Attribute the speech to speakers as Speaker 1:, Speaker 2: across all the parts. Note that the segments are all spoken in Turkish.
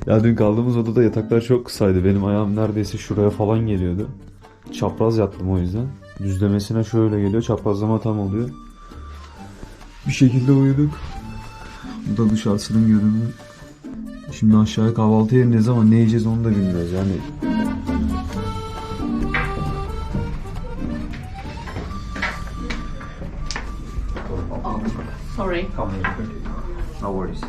Speaker 1: Ya dün kaldığımız odada yataklar çok kısaydı. Benim ayağım neredeyse şuraya falan geliyordu. Çapraz yattım o yüzden. Düzlemesine şöyle geliyor. Çaprazlama tam oluyor. Bir şekilde uyuduk. Bu da dışarısının görünümü. Şimdi aşağıya kahvaltıya ineceğiz ama ne yiyeceğiz onu da bilmiyoruz yani.
Speaker 2: Sorry.
Speaker 1: No worries.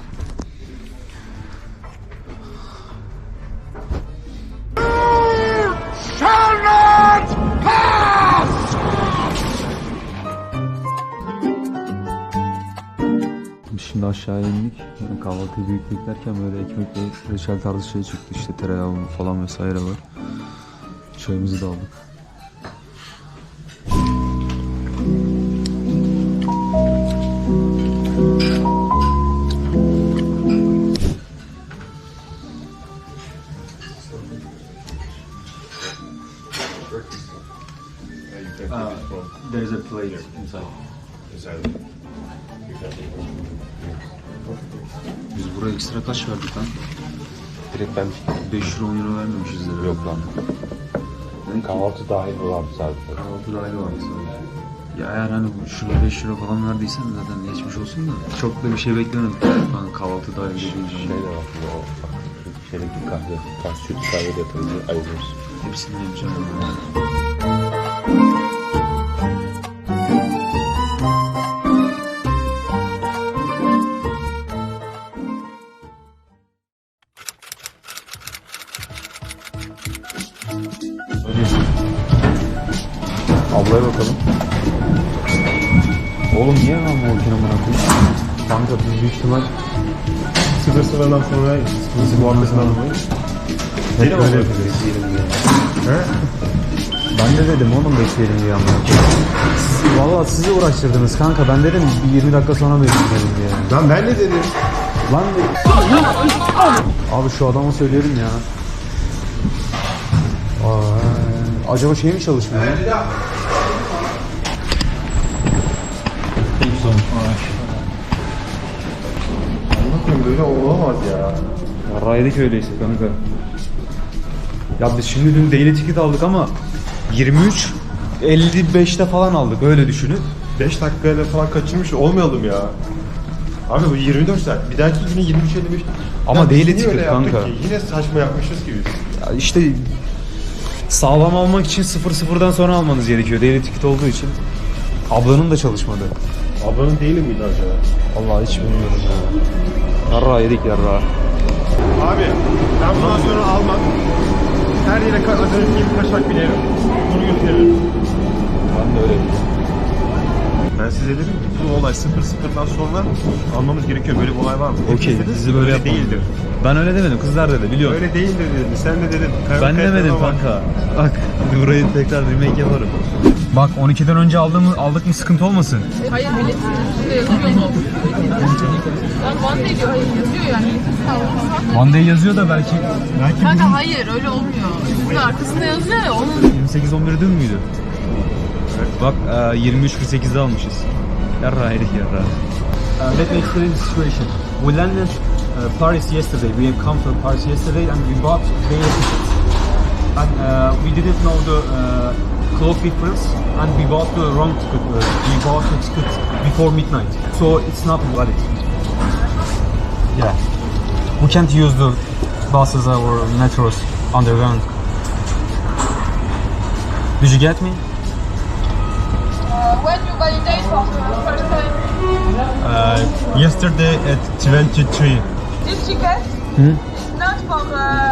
Speaker 1: Şimdi aşağıya indik. Yani kahvaltıyı büyük beklerken böyle ekmekle reçel tarzı şey çıktı. İşte tereyağı falan vesaire var. Çayımızı da aldık. There's a plate inside. Biz buraya ekstra kaç verdik lan?
Speaker 3: Direkt ben
Speaker 1: 5 euro 10 euro vermemişizdir.
Speaker 3: yok lan. Kahvaltı dahil olan sadece.
Speaker 1: Kahvaltı dahil vardı sadece. Ya eğer hani şurada 5 euro falan verdiysen zaten geçmiş olsun da. Çok da bir şey beklemedik. Ben kahvaltı dahil dediğim
Speaker 3: Şey
Speaker 1: zaman.
Speaker 3: de var. O bak şu şeydeki kahve. Süt kahve de yatırınca ayırıyoruz.
Speaker 1: Hepsini yemeyeceğim. Ablaya bakalım. Oğlum niye lan bu ülkenin bana koyayım? Kanka biz büyük ihtimal
Speaker 4: 0-0'dan sonra bizi muhabbesini almayız.
Speaker 1: hep böyle bekleyelim diye.
Speaker 4: He?
Speaker 1: Ben de dedim oğlum bekleyelim diye amına koyayım. Valla sizi uğraştırdınız kanka. Ben dedim bir 20 dakika sonra bekleyelim diye.
Speaker 4: Lan ben ne dedim?
Speaker 1: Lan abi şu adama söyleyelim ya. Acaba şey mi çalışmıyor?
Speaker 4: Anlatayım böyle olamaz ya.
Speaker 1: Raydık öyleyse kanka. Ya biz şimdi dün daily ticket aldık ama 23.55'te falan aldık öyle düşünün.
Speaker 4: 5 dakikayla falan kaçırmış olmayalım ya. Abi bu 24 saat. Bir dahaki yine 23.55.
Speaker 1: Ama
Speaker 4: Ya biz
Speaker 1: daily
Speaker 4: niye
Speaker 1: ticket
Speaker 4: öyle yaptık
Speaker 1: kanka.
Speaker 4: ki? Yine saçma yapmışız ki biz.
Speaker 1: Ya işte sağlam almak için 00'dan sonra almanız gerekiyor daily ticket olduğu için. Ablanın da çalışmadı.
Speaker 4: Ablanın değil miydi acaba?
Speaker 1: Vallahi hiç bilmiyorum ya. Yarra yedik yarra.
Speaker 4: Abi ben bundan sonra almam. Her yere az önce gibi kaçak binerim. Bunu götürürüm.
Speaker 1: Ben de öyle.
Speaker 4: Ben size dedim ki bu olay 00'dan sonra almamız gerekiyor. Böyle bir olay var mı?
Speaker 1: Okey,
Speaker 4: Hepiniz
Speaker 1: sizi böyle yapalım.
Speaker 4: değildir.
Speaker 1: Ben öyle demedim, kızlar dedi biliyorum.
Speaker 4: Öyle değildir dedin. Sen de dedin.
Speaker 1: Ben demedim kanka. Bak burayı tekrar remake yaparım. Bak 12'den önce aldık mı sıkıntı olmasın.
Speaker 2: Hayır, biletin üstünde yazıyor mu? Lan One Day diyor, hayır yazıyor yani.
Speaker 1: One Day yazıyor da belki
Speaker 2: Kanka hayır, öyle olmuyor. Üstünde arkasında yazıyor ya, onun...
Speaker 1: 28-11 dün müydü? Bak 23-48'de almışız. Yarra yedik yarra.
Speaker 5: Let me explain the situation. We landed Paris yesterday. We have come from Paris yesterday and we bought daily tickets. And we didn't know the clock difference and we bought the wrong ticket. We bought the ticket before midnight. So it's not valid. Yeah. We can't use the buses or metros underground. Did you get me?
Speaker 2: When you validate for the first time?
Speaker 4: Yesterday at 23.
Speaker 2: This ticket is not for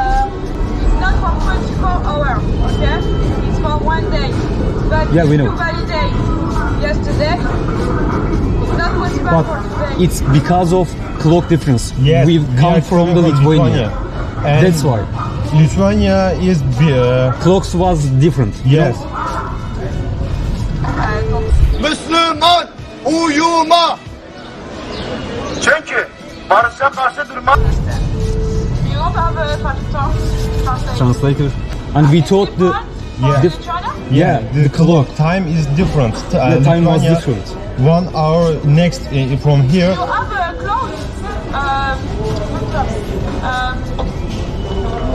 Speaker 2: 24 hours, okay? It's for 1 day. But
Speaker 5: Yeah, we
Speaker 2: if
Speaker 5: know.
Speaker 2: you validate yesterday, it's not possible
Speaker 5: But
Speaker 2: for today.
Speaker 5: it's because of clock difference.
Speaker 4: Yes,
Speaker 5: We've come from the Lithuania.
Speaker 4: And
Speaker 5: That's why.
Speaker 4: Lithuania is
Speaker 5: Clocks was different.
Speaker 4: yes.
Speaker 6: Müslüman uyuma. Çünkü barışa karşı durma.
Speaker 2: You don't have a translator?
Speaker 5: Translator. And we thought the
Speaker 4: Yeah.
Speaker 5: yeah the clock.
Speaker 4: Time is different.
Speaker 5: The time was different.
Speaker 4: 1 hour next from here.
Speaker 2: You have a clock?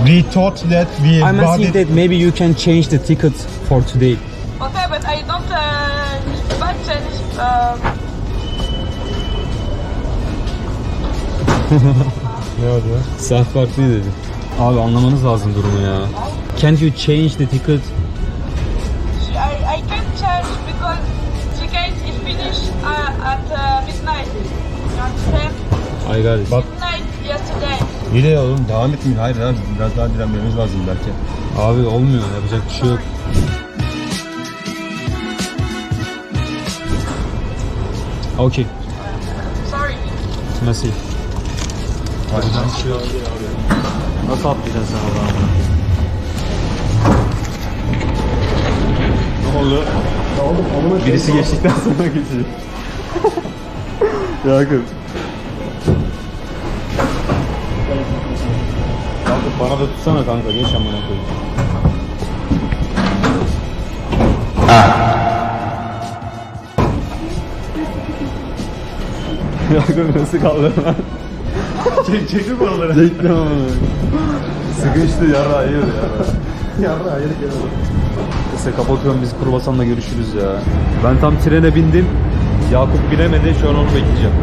Speaker 4: We thought that we
Speaker 5: I'm
Speaker 4: bought
Speaker 5: asking
Speaker 4: it.
Speaker 5: that maybe you can change the ticket for today.
Speaker 2: Okay, but I don't change.
Speaker 4: Ne oldu?
Speaker 5: Saat farklı dedi. Abi anlamanız lazım durumu ya. Can't you change the ticket?
Speaker 2: I can't change because ticket is finished at midnight. You understand?
Speaker 5: I got it.
Speaker 2: Midnight yesterday.
Speaker 4: İyi de oğlum devam etmeyin. Hayır abi biraz daha direnmemiz lazım belki.
Speaker 5: Abi olmuyor, yapacak bir şey yok. Okay,
Speaker 2: Sorry.
Speaker 5: merci.
Speaker 1: Nasıl atlayacaksın sen oradan?
Speaker 4: Ne oldu?
Speaker 1: Birisi geçtikten sonra geçecek. Yakın. Kanka bana da tutsana kanka, geç amına koyayım. Yakın nasıl kaldı lan?
Speaker 4: Çekti mi oraları?
Speaker 1: Çektim ama. Sıkıştı yara yiyor ya.
Speaker 4: Yarra hayır gel.
Speaker 1: Neyse kapatıyorum, biz kruvasanla görüşürüz ya. Ben tam trene bindim. Yakup binemedi, şu an onu bekleyeceğim.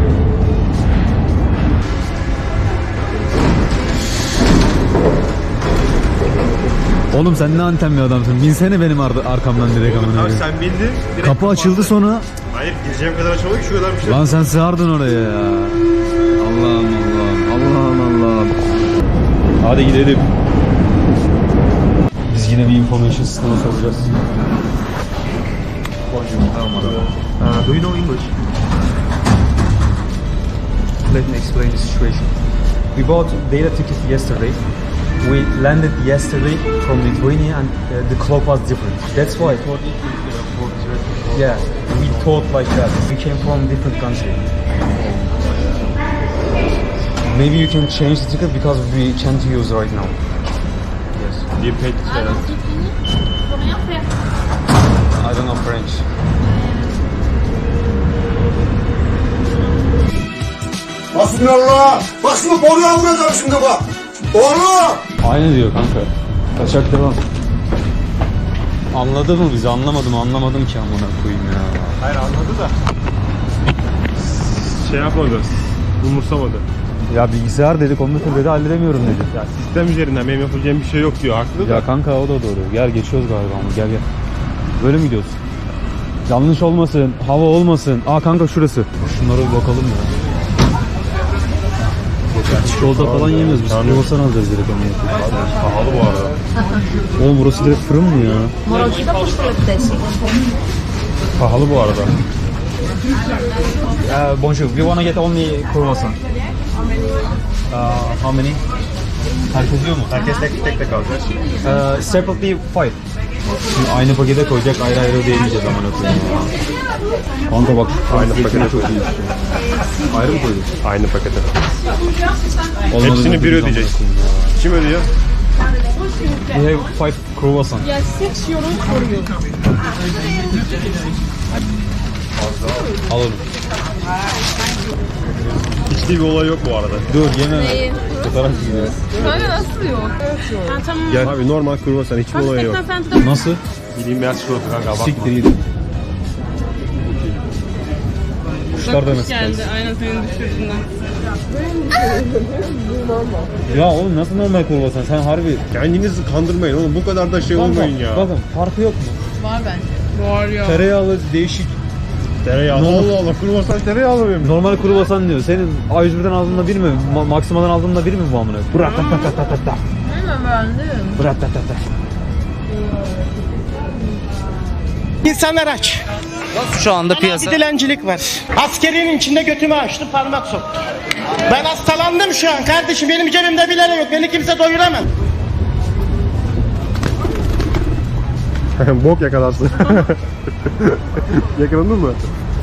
Speaker 1: Oğlum sen ne anten bir adamsın. Binsene benim arkamdan direkt amına
Speaker 4: Abi
Speaker 1: koyayım.
Speaker 4: sen bindin. direkt
Speaker 1: Kapı açıldı sonra.
Speaker 4: Hayır gireceğim kadar açılmadı ki şu kadar bir şey.
Speaker 1: Lan sen sığardın oraya ya. Allah'ım Allah'ım. Allah'ım Allah'ım. Hadi gidelim. Biz yine bir information sisteme soracağız.
Speaker 5: Do you know English? Let me explain the situation. We bought data ticket yesterday. We landed yesterday from Lithuania and the clock was different. That's why. Yeah, we thought like that. We came from different country. Maybe you can change the ticket because we can't use right now. Yes.
Speaker 4: You paid
Speaker 5: I don't know French.
Speaker 6: Hasbinallah. Bak şimdi boruya vuracağım şimdi bak. Boru.
Speaker 1: Aynı diyor kanka. Kaçak devam. Anladı mı bizi? Anlamadım ki amına koyayım ya.
Speaker 4: Hayır anladı da. Şey yapmadı. Umursamadı.
Speaker 1: Ya bilgisayar dedi, kompütür dedi, halledemiyorum dedi.
Speaker 4: Ya sistem üzerinden benim yapacağım bir şey yok diyor. Haklı da.
Speaker 1: Ya kanka o da doğru. Gel geçiyoruz galiba ama gel. Böyle mi gidiyoruz? Yanlış olmasın, hava olmasın. Aa kanka şurası. Şunlara bir bakalım ya. Çikolata falan yemiyoruz biz. Kruvasan alacağız direkt ama.
Speaker 4: Pahalı bu arada.
Speaker 1: Oğlum burası direkt fırın mı ya?
Speaker 7: Moročka po 40.
Speaker 4: Pahalı bu arada.
Speaker 5: Bonjour, we wanna get only croissant. How many? Herkes yiyor mu?
Speaker 4: Herkes tek alacak.
Speaker 5: Separately 5.
Speaker 1: Şimdi aynı pakete koyacak, ayrı ayrı ödeyemeyeceğiz amına koyayım ya. Kanka bak
Speaker 4: Aynı pakete
Speaker 1: çok
Speaker 4: koyduk.
Speaker 1: iyi. Ayrı mı koyduk?
Speaker 4: Aynı pakete.
Speaker 1: Olmadı
Speaker 4: Hepsini
Speaker 1: zaten
Speaker 4: bir
Speaker 1: biz
Speaker 4: ödeyecek.
Speaker 1: amına koyayım ya.
Speaker 4: Kim ödüyor?
Speaker 5: We have 5 croissant.
Speaker 2: Yes, 6 euros for you.
Speaker 1: Al onu.
Speaker 4: Hiçbir bir olay yok bu arada.
Speaker 1: Dur yeme. Fotoğraf gidiyoruz.
Speaker 2: Kanka nasıl yok? Ben tamam.
Speaker 4: Gel. Abi normal kruvasan hiçbir olay yok.
Speaker 1: Nasıl?
Speaker 4: Bildiğin beyaz çikolata kanka bakma.
Speaker 1: Siktir gidin. Kuşlar da nasıl?
Speaker 2: Geldi aynen senin düşürdüğünden.
Speaker 1: Ya oğlum nasıl normal kruvasan? Sen harbi.
Speaker 4: Kendinizi kandırmayın oğlum bu kadar da şey olmayın ya.
Speaker 1: Bakın farkı yok mu?
Speaker 2: Var bence. Var ya.
Speaker 1: Tereyağlı değişik.
Speaker 4: Tereyağı. Allah Allah kruvasan tereyağlı mıyım?
Speaker 1: Normal kruvasan diyor. Senin A101'den aldığında bir mi? Maksima'dan aldığında bir mi bu amına? Bırak ta ta ta ta ta.
Speaker 2: Hemen beğendim.
Speaker 1: Bırak ta ta ta.
Speaker 8: İnsanlar aç.
Speaker 9: Şu anda
Speaker 8: Bir
Speaker 9: piyasa.
Speaker 8: dilencilik var. Askerinin içinde götümü açtı parmak soktu. Ben hastalandım şu an kardeşim. Benim cebimde bile yok. Beni kimse doyuramaz.
Speaker 4: Bok yakalarsın. Yakalandın mı?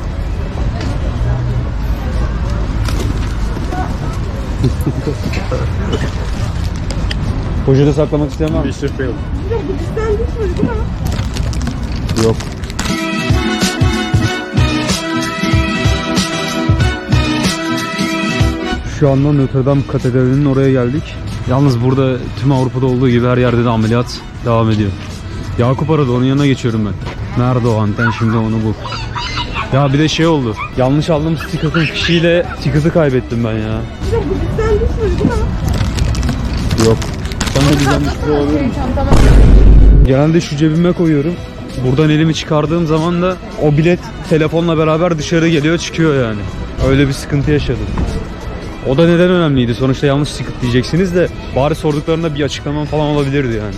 Speaker 1: Poşete saklamak isteyen var mı?
Speaker 4: Bir sürü yok.
Speaker 1: Yok. Şu anda Notre Dame Katedrali'nin oraya geldik. Yalnız burada tüm Avrupa'da olduğu gibi her yerde de ameliyat devam ediyor. Yakup aradı, onun yanına geçiyorum ben. Nerede o anten, şimdi onu bul. Ya bir de şey oldu. Yanlış aldığım sticker'ın fişiyle sticker'ı kaybettim ben ya. Yok. Sen de güzel bir şey olabilir mi? Genelde şu cebime koyuyorum. Buradan elimi çıkardığım zaman da o bilet telefonla beraber dışarı geliyor, çıkıyor yani. Öyle bir sıkıntı yaşadım. O da neden önemliydi? Sonuçta yanlış ticket diyeceksiniz de bari sorduklarında bir açıklamam falan olabilirdi yani.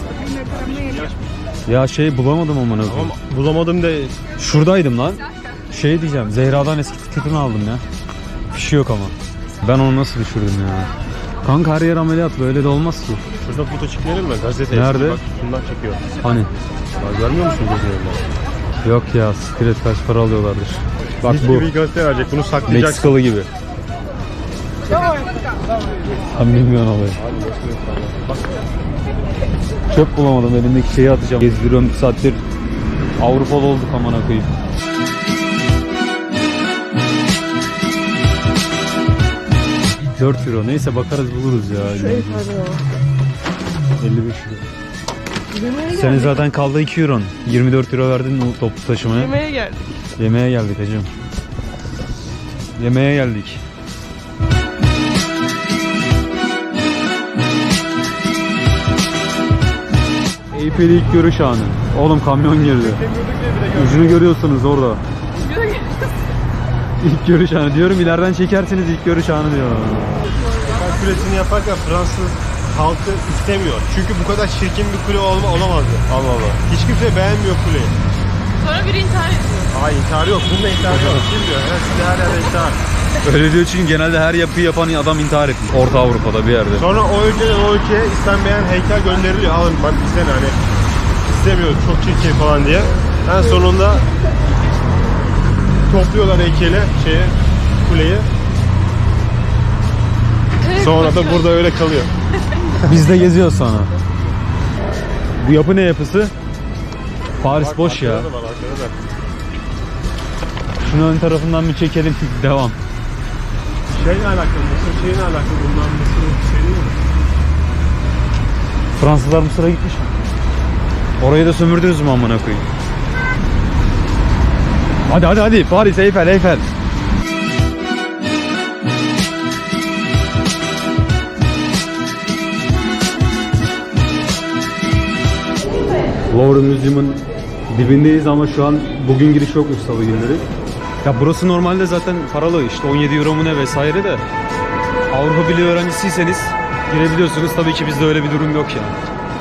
Speaker 1: Ya şey bulamadım ama ne
Speaker 4: Ama bulamadım da
Speaker 1: Şuradaydım lan. Şey diyeceğim, Zehra'dan eski ticket'ını aldım ya. Fişi yok ama. Ben onu nasıl düşürdüm ya? Kanka her yer ameliyat, böyle de olmaz ki.
Speaker 4: şurada foto çekelim mi? Gazete.
Speaker 1: Nerede?
Speaker 4: Bak şundan çekiyor.
Speaker 1: Hani?
Speaker 4: Ya görmüyor musun gözlerini?
Speaker 1: Yok ya, sikret kaç para alıyorlardır. Bak
Speaker 4: Mis
Speaker 1: bu.
Speaker 4: gibi bir gazete verecek. Bunu saklayacaksın.
Speaker 1: Meksikalı gibi. Sen bilmiyorsun olayı. Çöp bulamadım, elimdeki şeyi atacağım. Gezdiriyorum bir saattir. Avrupalı olduk amına koyayım. €4 neyse bakarız buluruz ya. 55 euro. Senin zaten kaldı €2. €24 verdin o toplu taşımaya.
Speaker 2: Yemeğe geldik.
Speaker 1: Yemeğe geldik hacım. Yemeğe geldik. Eyfel'i ilk görüş anı. Oğlum kamyon girdi. Ucunu görüyorsunuz orada. İlk görüş anı diyorum, ileriden çekersiniz, ilk görüş anı diyor.
Speaker 4: Kulesini yaparken Fransız halkı istemiyor. Çünkü bu kadar çirkin bir kule olamazdı. Allah Allah. Hiç kimse beğenmiyor kuleyi.
Speaker 2: Sonra biri intihar ediyor.
Speaker 4: Hayır, intiharı yok. Bunda intiharı yok. Kim diyor? Evet, size her yerde intihar.
Speaker 1: Öyle diyor çünkü genelde her yapıyı yapan adam intihar etmiş. Orta Avrupa'da bir yerde.
Speaker 4: Sonra o ülkeden o ülkeye istenmeyen heykel gönderiliyor. Alın bak bizden hani istemiyoruz, çok çirkin falan diye. En sonunda topluyorlar heykeli, kuleyi. Sonra da burada öyle kalıyor.
Speaker 1: Biz de geziyoruz sonra. Bu yapı ne yapısı? Paris boş ya.
Speaker 4: Arkada da var, arkada da.
Speaker 1: Şunu ön tarafından bir çekelim. Devam.
Speaker 4: Şeyle alakalı, Mısır şeyle alakalı. Bundan Mısır şey değil mi?
Speaker 1: Fransızlar Mısır'a gitmiş mi? Orayı da sömürdünüz mü amına koyayım? Hadi Paris, Eyfel. Louvre Müzesi'nin dibindeyiz ama şu an bugün giriş yokmuş, salı günleri. Ya burası normalde zaten paralı, işte 17 euro mu ne vesaire de. Avrupa Birliği öğrencisiyseniz girebiliyorsunuz. Tabii ki bizde öyle bir durum yok yani.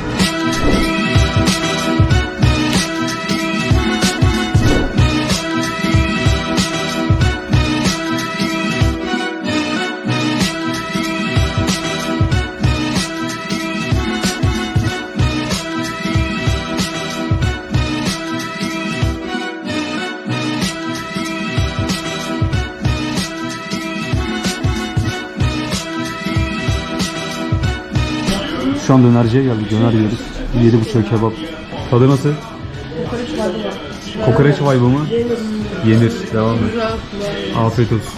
Speaker 1: Şu an dönerciye geldik. Döner yiyoruz. 7,5 kebap. Tadı nasıl? Kokoreç vibe mı? Yenir. Devam et. Afiyet olsun.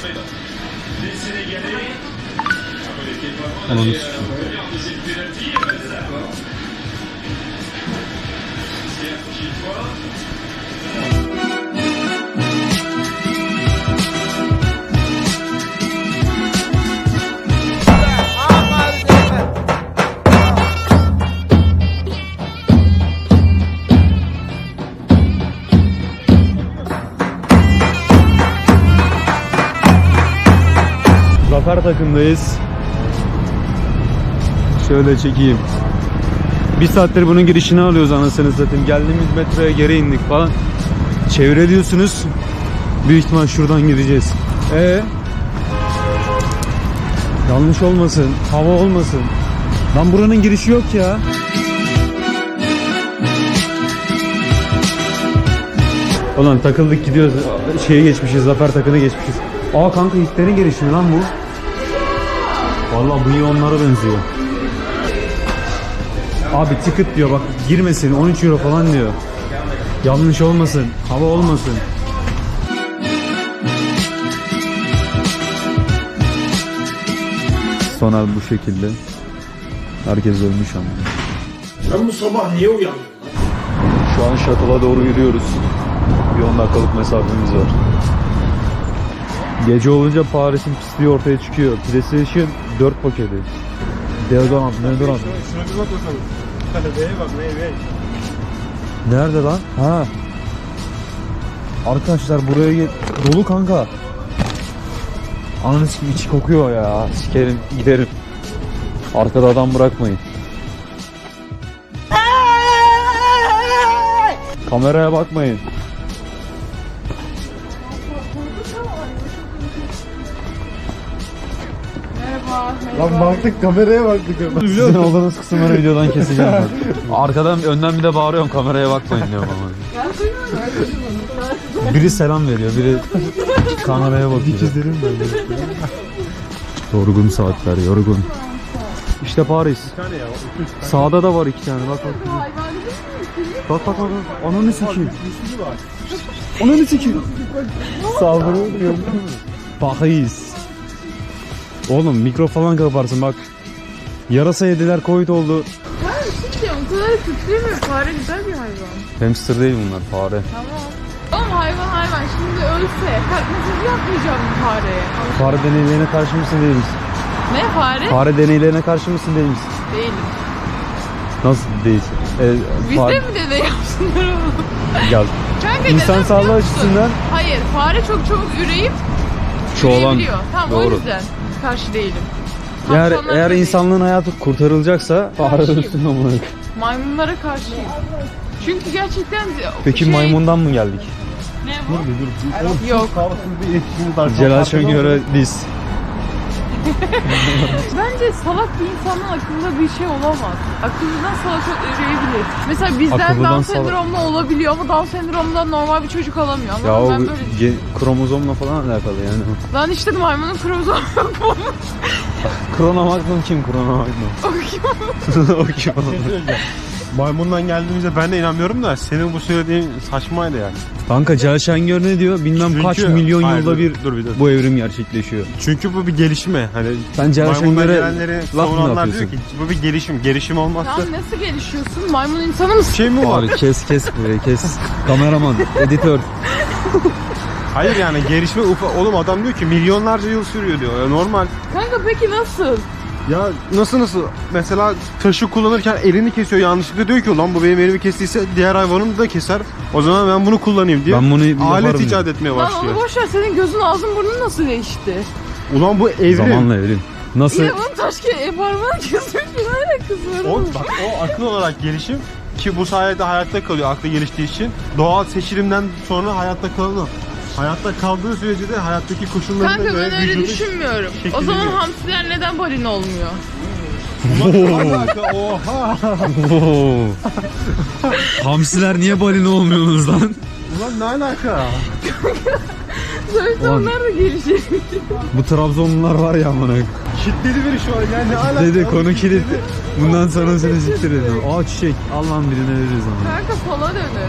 Speaker 1: Ananı sikeyim. Zafer takımdayız. Şöyle çekeyim. Bir saattir bunun girişini alıyoruz anasını satayım. Geldiğimiz metroya geri indik falan. Çevre diyorsunuz. Büyük ihtimal şuradan gideceğiz. Yanlış olmasın. Hava olmasın. Lan buranın girişi yok ya. Ulan takıldık gidiyoruz. Şeye geçmişiz. Zafer takını geçmişiz. Aa kanka Hitler'in girişi mi lan bu? Vallahi bu iyi onlara benziyor. Abi ticket diyor bak, girmesin, 13 euro falan diyor. Yanlış olmasın, hava olmasın. Sonra bu şekilde. Herkes ölmüş ama.
Speaker 6: Sen bu sabah niye uyandın?
Speaker 1: Şu an shuttle'a doğru yürüyoruz. Bir 10 dakikalık mesafemiz var. Gece olunca Paris'in pisliği ortaya çıkıyor. PlayStation 4 paketi. Deodorant.
Speaker 4: Şuna bir bak bakalım. Neye bak neye.
Speaker 1: Nerede lan? Ha. Arkadaşlar buraya dolu kanka. Ananı sikim içi kokuyor ya. Sikerim giderim. Arkada adam bırakmayın. Kameraya bakmayın.
Speaker 2: Merhaba.
Speaker 4: Lan baktık kameraya baktık.
Speaker 1: Sizin olduğunuz kısımları videodan keseceğim ben. Arkadan önden bir de bağırıyorum kameraya bakmayın diyorum ama. Biri selam veriyor, biri kameraya bakıyor. Yorgun saatler, yorgun. İşte Paris.
Speaker 4: tane ya.
Speaker 1: Sağda da var 2 tane. Bak bak. Bak bak bak. Ananı sikeyim. Ananı sikeyim. Saldırıyor. Paris. Oğlum mikro falan kaparsın bak. Yarasa yediler, Covid oldu.
Speaker 2: Ben şimdi o kadar kötü değil mi? Fare güzel bir hayvan.
Speaker 1: Hamster değil bunlar, fare.
Speaker 2: Tamam. Oğlum hayvan şimdi ölse kalkmasız yapmayacağım bu fareye.
Speaker 1: Fare deneylerine karşı mısın değil misin?
Speaker 2: Ne fare?
Speaker 1: Fare deneylerine karşı mısın değil misin?
Speaker 2: Değilim.
Speaker 1: Nasıl değilsin?
Speaker 2: Biz de mi deney yapsınlar oğlum?
Speaker 1: Gel.
Speaker 2: Kanka
Speaker 1: İnsan
Speaker 2: neden
Speaker 1: sağlığı
Speaker 2: biliyor musun?
Speaker 1: açısından.
Speaker 2: Hayır, fare çok çabuk üreyip
Speaker 1: Çoğalan.
Speaker 2: üreyebiliyor. Tamam o
Speaker 1: Doğru.
Speaker 2: yüzden karşı değilim.
Speaker 1: Eğer
Speaker 2: Kaplanlara
Speaker 1: eğer
Speaker 2: da
Speaker 1: insanlığın hayatı kurtarılacaksa fare
Speaker 2: Karşıyım.
Speaker 1: ölsün amına.
Speaker 2: maymunlara karşıyım. Çünkü gerçekten
Speaker 1: Peki maymundan mı geldik?
Speaker 2: Ne bu? Yok.
Speaker 1: Celal Şengör'e biz.
Speaker 2: Bence salak bir insanın aklında bir şey olamaz. Akıllından salak üreyebilir. Mesela bizden
Speaker 1: Akıllıdan
Speaker 2: Down sendromlu olabiliyor ama Down sendromundan normal bir çocuk alamıyor. Ama
Speaker 1: Ya o
Speaker 2: ben böyle
Speaker 1: kromozomla falan alakalı yani.
Speaker 2: Lan işte maymunun kromozomu yok mu?
Speaker 1: Kronomagnum kim? Kronomagnum.
Speaker 2: O kim?
Speaker 1: O kim?
Speaker 4: Maymundan geldiğimizde ben de inanmıyorum da senin bu söylediğin saçmaydı yani.
Speaker 1: Kanka Celal Şengör ne diyor? Bilmem
Speaker 4: Çünkü-
Speaker 1: kaç milyon
Speaker 4: Hayır,
Speaker 1: yılda bir
Speaker 4: dur bir.
Speaker 1: bu evrim gerçekleşiyor.
Speaker 4: Çünkü bu bir gelişme. Hani
Speaker 1: Sen Celal
Speaker 4: maymundan
Speaker 1: Şengör'e
Speaker 4: gelenleri
Speaker 1: laf mı
Speaker 4: savunanlar diyor
Speaker 1: yapıyorsun?
Speaker 4: ki bu bir gelişim. Gelişim olmazsa
Speaker 2: Tamam nasıl gelişiyorsun? Maymun insanı mısın?
Speaker 4: şey mi var?
Speaker 1: Abi kes burayı kes. Kameraman, editör.
Speaker 4: Hayır yani gelişme oğlum adam diyor ki milyonlarca yıl sürüyor diyor. Ya normal.
Speaker 2: Kanka peki nasıl?
Speaker 4: Ya nasıl mesela taşı kullanırken elini kesiyor yanlışlıkla diyor ki ulan bu benim elimi kestiyse diğer hayvanım da keser. O zaman ben bunu kullanayım diye
Speaker 1: Ben bunu yaparım
Speaker 4: alet
Speaker 1: diyor.
Speaker 4: icat etmeye
Speaker 2: Lan
Speaker 4: başlıyor.
Speaker 2: onu boş ver, senin gözün ağzın burnun nasıl değişti?
Speaker 4: Ulan bu evrim.
Speaker 1: Zamanla evrim. Nasıl?
Speaker 2: Yine bunun parmağını kesmiş bir alakası var.
Speaker 4: Bak o akıl olarak gelişim ki bu sayede hayatta kalıyor aklı geliştiği için. Doğal seçilimden sonra hayatta kalıyor. Hayatta kaldığı sürece de hayattaki koşullarına
Speaker 2: Kanka
Speaker 4: göre
Speaker 2: ben öyle
Speaker 4: vücudu
Speaker 2: düşünmüyorum. O
Speaker 4: şekilleniyor.
Speaker 2: zaman hamsiler neden balina olmuyor?
Speaker 4: Oha!
Speaker 1: Oo. Hamsiler niye balina olmuyorsunuz lan?
Speaker 4: Ulan ne alaka?
Speaker 2: Sonuçta
Speaker 1: Ulan.
Speaker 2: onlar da gelişiyor.
Speaker 1: Bu Trabzonlular var ya amına.
Speaker 4: Kitledi biri şu an yani ne alaka?
Speaker 1: Dedi konu kilit. Bundan sonra seni siktir edin. Aa çiçek. Al lan birine veririz ama.
Speaker 2: Kanka sola dönün.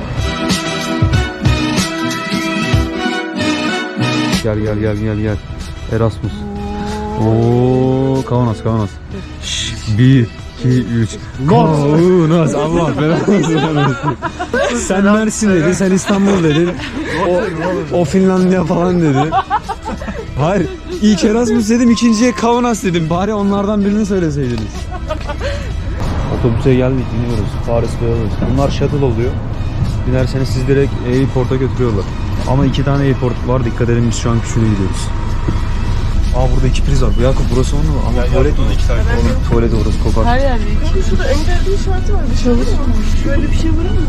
Speaker 1: Gel. Erasmus. Oo, Kaunas. Şşş, 1, 2, 3. Kaunas. Allah belanı versin. Sen Mersin dedin, sen İstanbul dedin. O Finlandiya falan dedi. Hayır, ilk Erasmus dedim, ikinciye Kaunas dedim. Bari onlardan birini söyleseydiniz. Otobüse geldik, biniyoruz. Paris Beyazıt. Bunlar shuttle oluyor. Binerseniz siz direkt airport'a götürüyorlar. Ama 2 tane airport var. Dikkat edin, biz şu an küçüğüne gidiyoruz. Aa burada 2 priz var. Bu Yakup burası onu mu? Ama tuvalet mi? Oğlum tuvalet orası kokar.
Speaker 2: Her yerde. Kanka şurada engel şartı var. Bir şey olur mu? Böyle bir şey var mı?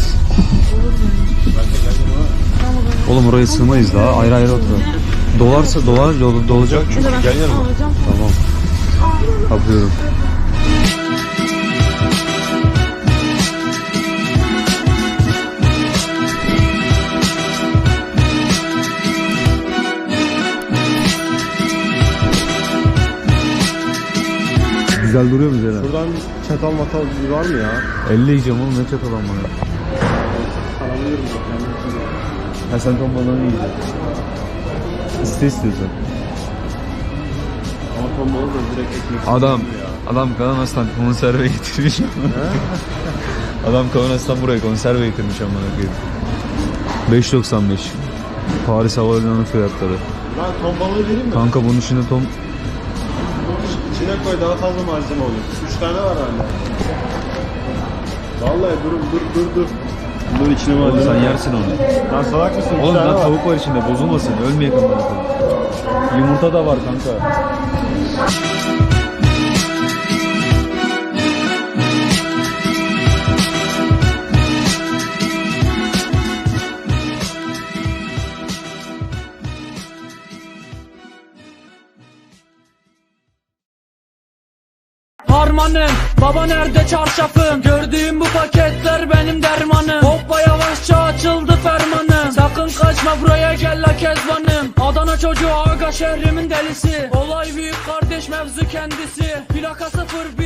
Speaker 1: Oğlum oraya sığmayız daha. Ayrı oturalım. Dolarsa dolacak çünkü. Gel yanıma. Tamam. Kapıyorum. Güzel duruyor mu Zeyra?
Speaker 4: Buradan çatal matal var mı ya?
Speaker 1: 50 yiyeceğim oğlum, ne çatal bana. Ha sen ton balığını yiyeceksin. İstiyorsan.
Speaker 4: Ama ton balığı da direkt ekmek.
Speaker 1: Adam
Speaker 4: ya.
Speaker 1: Adam Kavanoz'dan konserve getirmiş. Adam Kavanoz'dan buraya konserve getirmiş amına koyayım. 5.95. Paris Havalimanı fiyatları.
Speaker 4: Ben ton balığı vereyim mi?
Speaker 1: Kanka bunun içinde ton...
Speaker 4: İçine koy daha fazla malzeme olur. 3 tane var hala. Vallahi dur. Dur içine
Speaker 1: Oğlum
Speaker 4: malzeme.
Speaker 1: sen yersin onu.
Speaker 4: Lan salak mısın?
Speaker 1: Oğlum
Speaker 4: İki tane
Speaker 1: lan
Speaker 4: var.
Speaker 1: tavuk var içinde bozulmasın. Ölmeyek amına koyayım. Yumurta da var kanka.
Speaker 9: Harmanım, baba nerede çarşafım? Gördüğüm bu paketler benim dermanım. Hoppa yavaşça açıldı fermanım. Sakın kaçma buraya gel la kezbanım. Adana çocuğu aga şehrimin delisi. Olay büyük kardeş mevzu kendisi. Plaka 01